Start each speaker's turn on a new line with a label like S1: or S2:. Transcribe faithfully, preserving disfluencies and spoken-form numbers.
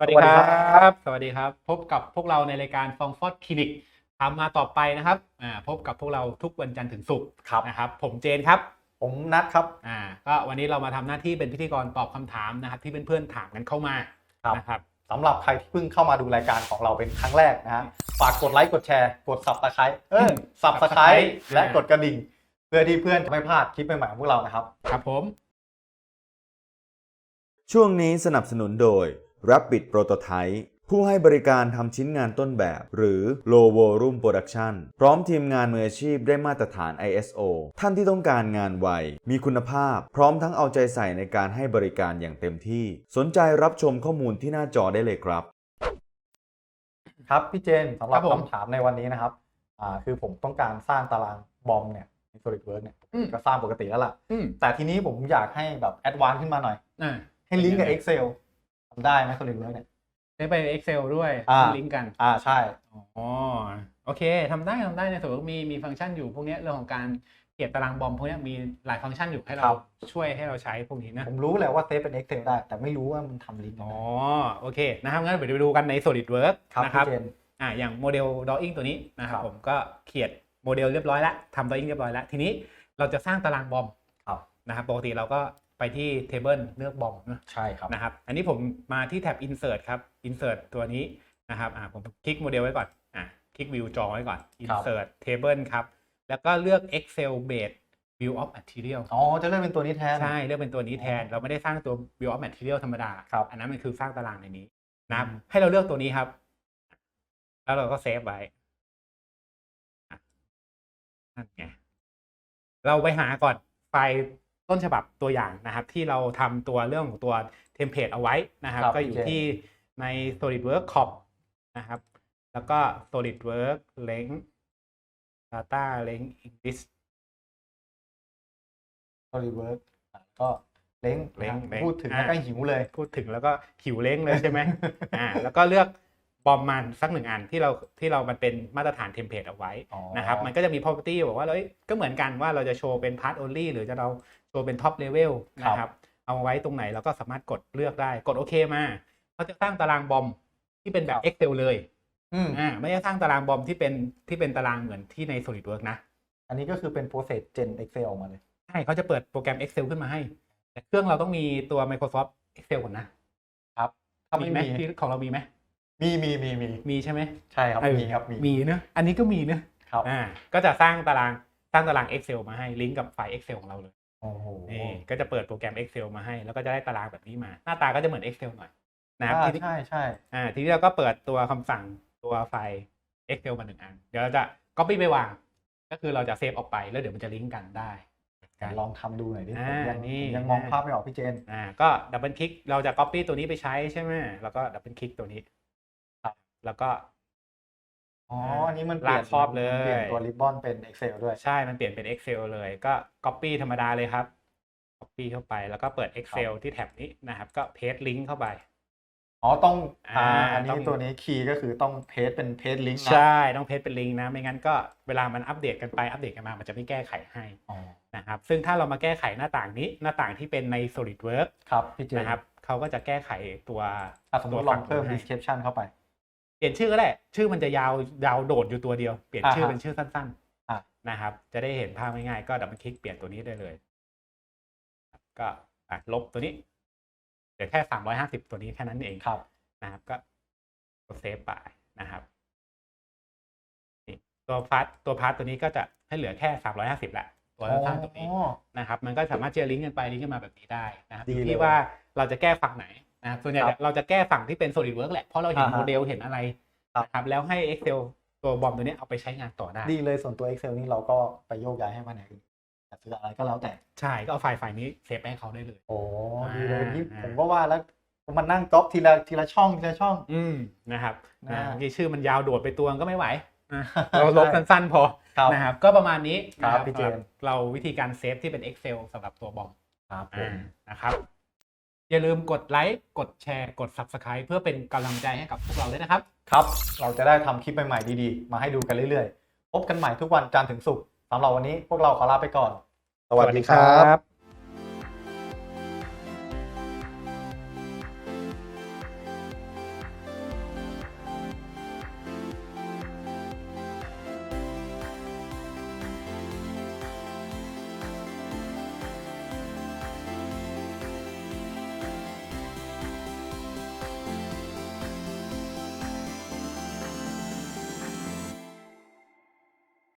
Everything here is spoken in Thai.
S1: สวัสดีครับสวัสดีครับพบกับพวกเราในรายการฟองฟอดคลินิกทำมาต่อไปนะครับอ่าพบกับพวกเราทุกวันจันทร์ถึงศุกร์นะครับผมเจนครับ
S2: ผมนัทครับ
S1: อ่าก็วันนี้เรามาทำหน้าที่เป็นพิธีกรตอบคำถามนะครับที่เพื่อนๆถามกันเข้ามานะครับ
S2: สำหรับใครที่เพิ่งเข้ามาดูรายการของเราเป็นครั้งแรกนะฮะฝากกดไลค์กดแชร์กด Subscribe เออ Subscribe และกดกระดิ่งเพื่อที่เพื่อนจะไม่พลาดคลิปใหม่ๆของพวกเรานะครับ
S1: ครับผม
S3: ช่วงนี้สนับสนุนโดย Rapid Prototype ผู้ให้บริการทำชิ้นงานต้นแบบหรือ Low Volume Production พร้อมทีมงานมืออาชีพได้มาตรฐาน ไอ เอส โอ ท่านที่ต้องการงานไวมีคุณภาพพร้อมทั้งเอาใจใส่ในการให้บริการอย่างเต็มที่สนใจรับชมข้อมูลที่หน้าจอได้เลยครับ
S2: ครับพี่เจนสำหรับคำถามในวันนี้นะครับอ่าคือผมต้องการสร้างตารางบอมเนี่ยใน SolidWorks เนี่ยก็สร้างปกติแล้วล่ะแต่ทีนี้ผมอยากให้แบบแอดวานซ์ขึ้นมาหน่อยให้ลิงก์กับ Excel ทำได้ไหม SolidWorks เนี่ย
S1: ได้ไป Excel ด้วยลิงก์กัน
S2: อ่าใช่
S1: อ๋อโอเคทำได้ทำได้ในส่วนมีมีฟังก์ชันอยู่พวกนี้เรื่องของการเก็บตารางบอมพวกนี้มีหลายฟังก์ชันอยู่ให้เราช่วยให้เราใช้พวกนี้นะ
S2: ผมรู้แหละว่าเซฟเป็น Excel ได้แต่ไม่รู้ว่ามันทำลิงก์
S1: อ๋อโอเคนะครับงั้นเดี๋ยวไปดูกันใน SolidWorks นะครับอ่าอย่างโมเดล drawing ตัวนี้นะครับผมก็เขียนโมเดลเรียบร้อยแล้วทำ drawing เรียบร้อยแล้วทีนี้เราจะสร้างตารางบอมนะครับปกติเราก็ไปที่ table เลือกบอมนะ
S2: ใช่ครับ
S1: นะครับอันนี้ผมมาที่แท็บ insert ครับ insert ตัวนี้นะครับอ่าผมคลิกโมเดลไว้ก่อนอ่าคลิก view จอไว้ก่อน insert table ครับแล้วก็เลือก excel based view of material
S2: อ๋อจะเลือกเป็นตัวนี้แทน
S1: ใช่เลือกเป็นตัวนี้แทนเราไม่ได้สร้างตัว view of material ธรรมดาอันนั้นมันคือสร้างตารางในนี้นะครับให้เราเลือกตัวนี้ครับแล้วเราก็เซฟไว้นั่นไงเราไปหาก่อนไฟล์ต้นฉบับตัวอย่างนะครับที่เราทำตัวเรื่องของตัวเทมเพลตเอาไว้นะครับก็อยู่ที่ใน SolidWorks คอมนะครับแล้วก็ SolidWorks Length Data Length English
S2: SolidWorks ก็เล้งพูดถึงแล้วก็หิวเลย
S1: พูดถึงแล้วก็หิวเล้งเลยใช่ไหมอ่าแล้วก็เลือกบอมมันสักหนึ่งอันที่เราที่เรามันเป็นมาตรฐานเทมเพลตเอาไว้นะครับมันก็จะมี property บอกว่าเลยก็เหมือนกันว่าเราจะโชว์เป็น part only หรือจะเราโชว์เป็น top level นะครับเอาไว้ตรงไหนเราก็สามารถกดเลือกได้กดโอเคมาเขาจะสร้างตารางบอมที่เป็นแบบ Excel เลยอ่าไม่ได้สร้างตารางบอมที่เป็นที่เป็นตารางเหมือนที่ใน SolidWorks นะ
S2: อันนี้ก็คือเป็น process gen Excel ออกมาเลย
S1: ใช่เขาจะเปิดโปรแกรม Excel ขึ้นมาให้แต่เครื่องเราต้องมีตัว Microsoft Excel ก่อนนะครับถ้าไม่มีของเรามีไหม
S2: มีมีมีมี
S1: มีใช่ไหม
S2: ใช่ครับมีครับ
S1: มีมีเนอะอันนี้ก็มีเนอะ
S2: ครับ
S1: อ่าก็จะสร้างตารางสร้างตาราง Excel มาให้ลิงก์กับไฟล์ Excel ของเราเลย
S2: โอ้โห
S1: นี่ก็จะเปิดโปรแกรม Excel มาให้แล้วก็จะได้ตารางแบบนี้มาหน้าตาก็จะเหมือน Excel หน่อยนะครับ
S2: ใช่ใช่
S1: อ่าทีนี้เราก็เปิดตัวคำสั่งตัวไฟล์ Excel มาหนึ่งอันเดี๋ยวเราจะ copy ไปวางก็คือเราจะเซฟออกไปแล้วเดี๋ยวมันจะลิงก์กันได้
S2: ลองทำดูหน่อยดิ
S1: ผม
S2: ยังมองภาพไม่ออกพี่เจน
S1: อ่าก็ดับเบิลคลิกเราจะ copy ตัวนี้ไปใช้ใช่ไหมแล้วก็ดับเบิลคลิกตัวนี้แล้วก็
S2: อ๋ออันนี้มันเปลี่ยน
S1: ครอบเลย
S2: เปลี่ยนตัวริบบอนเป็น Excel ด้วย
S1: ใช่มันเปลี่ยนเป็น Excel เลยก็ Copy ธรรมดาเลยครับ Copy เข้าไปแล้วก็เปิด Excel ที่แท็บนี้นะครับก็ Paste Link เข้าไป
S2: อ๋อต้องอ่าอันนี้ตัวนี้คีย์ก็คือต้อง Paste เป็น Paste Link
S1: นะใช่ต้อง Paste เป็น Link นะไม่งั้นก็เวลามันอัปเดตกันไปอัปเดตกันมามันจะไม่แก้ไขให้นะครับซึ่งถ้าเรามาแก้ไขหน้าต่างนี้หน้าต่างที่เป็นใน SolidWorks
S2: ครับพี่เจ
S1: นะครับเขาก็จะแก้ไขตัว
S2: สมมติลองเพิ่ม description เข้าไป
S1: เปลี่ยนชื่อก็ได้ชื่อมันจะยาวยาวโดดอยู่ตัวเดียวเปลี่ยนชื่อเป็นชื่อสั้นๆนะครับจะได้เห็นภาพง่ายๆก็ดับเบิลคลิกเปลี่ยนตัวนี้ได้เลยก็ลบตัวนี้เดี๋ยวแค่สามร้อยห้าสิบตัวนี้แค่นั้นเอง
S2: ครับ
S1: นะครับก็กดเซฟไปนะครับนี่ตัวพาร์ทตัวพาร์ทตัวนี้ก็จะให้เหลือแค่สามร้อยห้าสิบแหละตัวสั้นๆตัวนี้นะครับมันก็สามารถจะลิงก์กันไปลิงก์กันมาแบบนี้ได้นะครับที่ว่าเราจะแก้ฝั่งไหนนะส่วนใหญ่เราจะแก้ฝั่งที่เป็น SolidWorks แหละเพราะเราเห็นโมเดลเห็นอะไรนะครับแล้วให้ Excel ตัวบอมตัวนี้เอาไปใช้งานต่อได้
S2: ดีเลยส่วนตัว Excel นี่เราก็ไปโยกย้ายให้มันไหนจะซื้ออะไรก็แล้วแต่
S1: ใช่ก็เอาไฟล์ไฟล์นี้เซฟให้เขาได้เลย
S2: โอ้ดีเลยที่ผมก็ว่าแล้วมันนั่งก๊อปทีละทีละช่องทีละช่อง
S1: อืมนะครับที่ชื่อมันยาวโดดไปตัวก็ไม่ไหวเราลบสั้นๆพอนะครับก็ประมาณนี้
S2: ครับพี่เจน
S1: เราวิธีการเซฟที่เป็น Excel สำหรับตัวบอม
S2: ครับ
S1: นะครับอย่าลืมกดไลค์กดแชร์กด Subscribe เพื่อเป็นกำลังใจให้กับพวกเราด้วยนะครับ
S2: ครับเราจะได้ทำคลิปใหม่ๆดีๆมาให้ดูกันเรื่อยๆพบกันใหม่ทุกวันจันทร์ถึงศุกร์สำหรับวันนี้พวกเราขอลาไปก่อน
S1: สวัสดีครับ